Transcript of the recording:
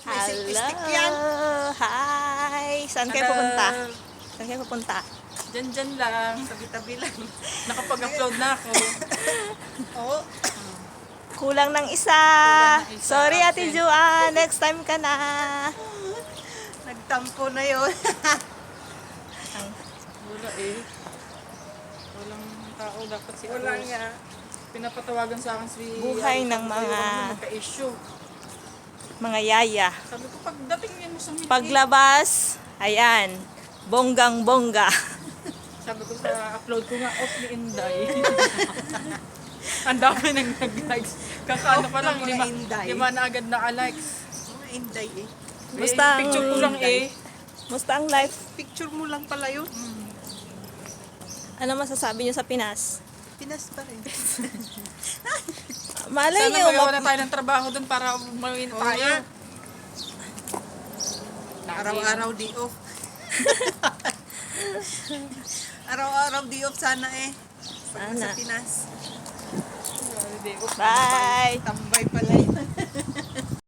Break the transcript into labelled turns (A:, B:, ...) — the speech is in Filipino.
A: May selfie stick yan.
B: Hi! Saan kayo pupunta? Saan kayo pupunta?
C: Diyan lang.
A: Tabi-tabi lang.
C: Nakapag-upload na ako.
A: Oo.
B: Kulang ng isa.
C: Kulang ng isa,
B: Sorry, Ate
C: absent.
B: Joanne. Next time ka na.
A: Nagtampo na yun.
C: Wala eh. Walang tao. Dapat si
A: Wala
C: Aros.
A: nga.
C: Pinapatawagan sa akin si...
B: Buhay ng mga-
C: Magka-issue.
B: Mga yaya.
C: Sabi ko, pagdating niya mo sa meeting.
B: Paglabas, ayan. Bonggang-bongga.
C: Sabi ko sa upload ko nga, off ni Inday. Ang dami nang nag-likes. Kakaano pa lang,
A: Off ng mga Inday.
C: lima na agad na-likes.
A: Mga Inday eh.
B: Basta ang-
C: Picture ko lang eh.
B: Musta ang life?
A: Picture mo lang pala yun.
B: Ano masasabi niyo sa Pinas?
A: Pinas pa rin.
B: Malay
C: Sana
B: niyo,
C: magawa na tayo ng trabaho dun para mawin
A: Oo
C: tayo.
A: nga. Araw-araw day off. Araw-araw day off sana eh. Pag
B: Sana.
A: sa Pinas.
C: Day off.
B: Bye!
A: Tambay pala yun.